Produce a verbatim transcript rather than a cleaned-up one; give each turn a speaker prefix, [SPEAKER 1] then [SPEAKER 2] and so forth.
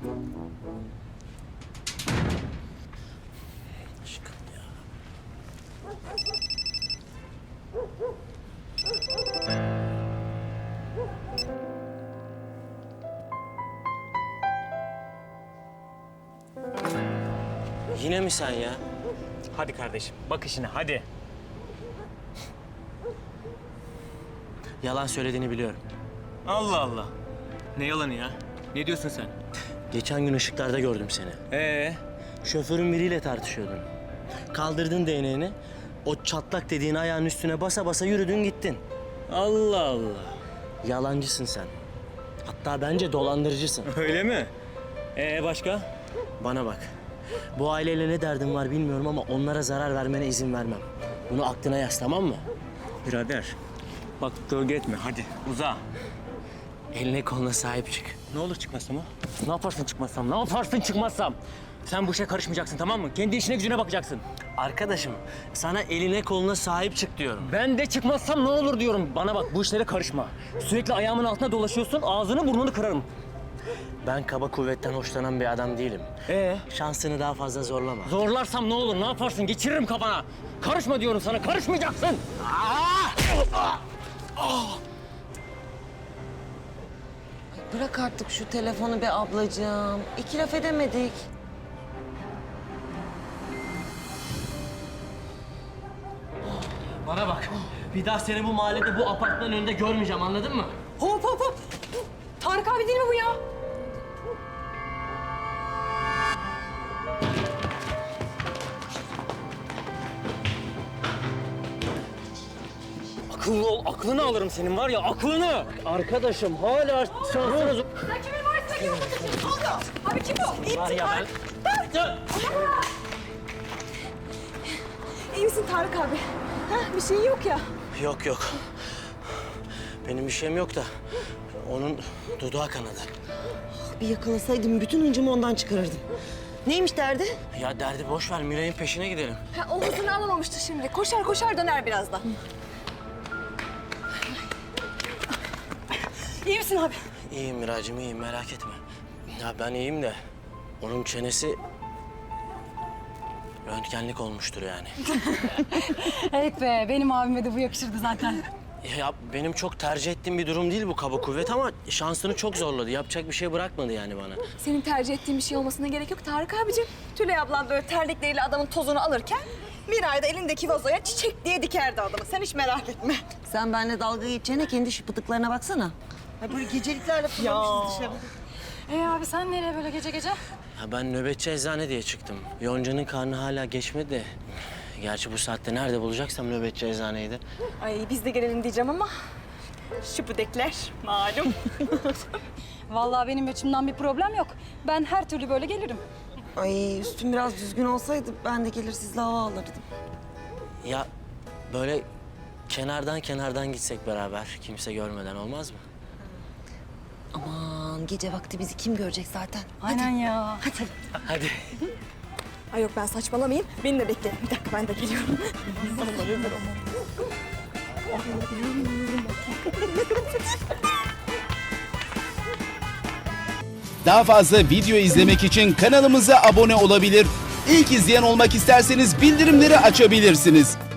[SPEAKER 1] Aşkım ya. Yine mi sen ya?
[SPEAKER 2] Hadi kardeşim, bak işine hadi.
[SPEAKER 1] Yalan söylediğini biliyorum.
[SPEAKER 2] Allah Allah. Ne yalanı ya? Ne diyorsun sen?
[SPEAKER 1] Geçen gün ışıklarda gördüm seni.
[SPEAKER 2] Ee,
[SPEAKER 1] Şoförün biriyle tartışıyordun. Kaldırdın değneğini, o çatlak dediğin ayağın üstüne basa basa yürüdün gittin.
[SPEAKER 2] Allah Allah.
[SPEAKER 1] Yalancısın sen. Hatta bence dolandırıcısın.
[SPEAKER 2] Öyle mi? Ee başka?
[SPEAKER 1] Bana bak. Bu aileyle ne derdin var bilmiyorum ama onlara zarar vermene izin vermem. Bunu aklına yaz, tamam mı?
[SPEAKER 2] Birader. Bak gölge etme hadi uza.
[SPEAKER 1] Eline koluna sahip çık.
[SPEAKER 2] Ne olur çıkmazsam ha? Ne yaparsın çıkmazsam? Ne yaparsın çıkmazsam? Sen bu işe karışmayacaksın tamam mı? Kendi işine gücüne bakacaksın.
[SPEAKER 1] Arkadaşım, sana eline koluna sahip çık diyorum.
[SPEAKER 2] Ben de çıkmazsam ne olur diyorum. Bana bak bu işlere karışma. Sürekli ayağımın altına dolaşıyorsun, ağzını burnunu kırarım.
[SPEAKER 1] Ben kaba kuvvetten hoşlanan bir adam değilim.
[SPEAKER 2] Ee?
[SPEAKER 1] Şansını daha fazla zorlama.
[SPEAKER 2] Zorlarsam ne olur, ne yaparsın? Geçiririm kafana. Karışma diyorum sana, karışmayacaksın.
[SPEAKER 3] Bırak artık şu telefonu be ablacığım. İki laf edemedik.
[SPEAKER 1] Bana bak, bir daha seni bu mahallede, bu apartmanın önünde görmeyeceğim, anladın mı?
[SPEAKER 4] Hop hop hop. Tarık abi değil mi bu ya?
[SPEAKER 2] Akıllı ol, aklını alırım senin var ya, aklını.
[SPEAKER 1] Arkadaşım, hala şansınız...
[SPEAKER 4] Sen kimin varisine gidiyorsun? Ne oldu? Abi kim o? İyi
[SPEAKER 1] Var
[SPEAKER 4] misin
[SPEAKER 1] ya
[SPEAKER 4] Tarık?
[SPEAKER 1] ben...
[SPEAKER 4] Tarık! İyi misin Tarık abi? Ha, bir şeyin yok ya.
[SPEAKER 1] Yok yok. Benim bir şeyim yok da onun dudağı kanadı.
[SPEAKER 3] Bir yakalasaydım bütün hıncımı ondan çıkarırdım. Neymiş derdi?
[SPEAKER 1] Ya derdi boş ver, Miray'ın peşine gidelim.
[SPEAKER 4] Ha, o hızını alamamıştı şimdi. Koşar koşar döner birazdan. İyi misin abi?
[SPEAKER 1] İyiyim Miracığım, iyiyim, merak etme. Ya ben iyiyim de onun çenesi röntgenlik olmuştur yani.
[SPEAKER 4] Evet be, benim abime de bu yakışırdı zaten.
[SPEAKER 1] Ya benim çok tercih ettiğim bir durum değil bu kaba kuvvet ama şansını çok zorladı. Yapacak bir şey bırakmadı yani bana.
[SPEAKER 4] Senin tercih ettiğin bir şey olmasına gerek yok Tarık abicim. Tülay ablan böyle terlikleriyle adamın tozunu alırken Miray da elindeki vazoya çiçek diye dikerdi adamı. Sen hiç merak etme.
[SPEAKER 3] Sen benimle dalga geçeceğine kendi şu pıtıklarına baksana. Ha böyle geceliklerle fırlamışız dışarı.
[SPEAKER 4] Ee abi sen nereye böyle gece gece?
[SPEAKER 1] Ya ben nöbetçi eczane diye çıktım. Yonca'nın karnı hala geçmedi de. Gerçi bu saatte nerede bulacaksam nöbetçi eczaneyi de.
[SPEAKER 4] Ay biz de gelelim diyeceğim ama şıpıdekler malum.
[SPEAKER 5] Vallahi benim açımdan bir problem yok. Ben her türlü böyle gelirim.
[SPEAKER 3] Ay üstüm biraz düzgün olsaydı ben de gelir sizle hava alırdım.
[SPEAKER 1] Ya böyle kenardan kenardan gitsek beraber kimse görmeden olmaz mı?
[SPEAKER 3] Aman gece vakti bizi kim görecek zaten?
[SPEAKER 5] Aynen ya.
[SPEAKER 1] Hadi.
[SPEAKER 4] Ay yok ben saçmalamayayım. Beni de bekleyin. Bir dakika ben de geliyorum.
[SPEAKER 6] Daha fazla video izlemek için kanalımıza abone olabilir. İlk izleyen olmak isterseniz bildirimleri açabilirsiniz.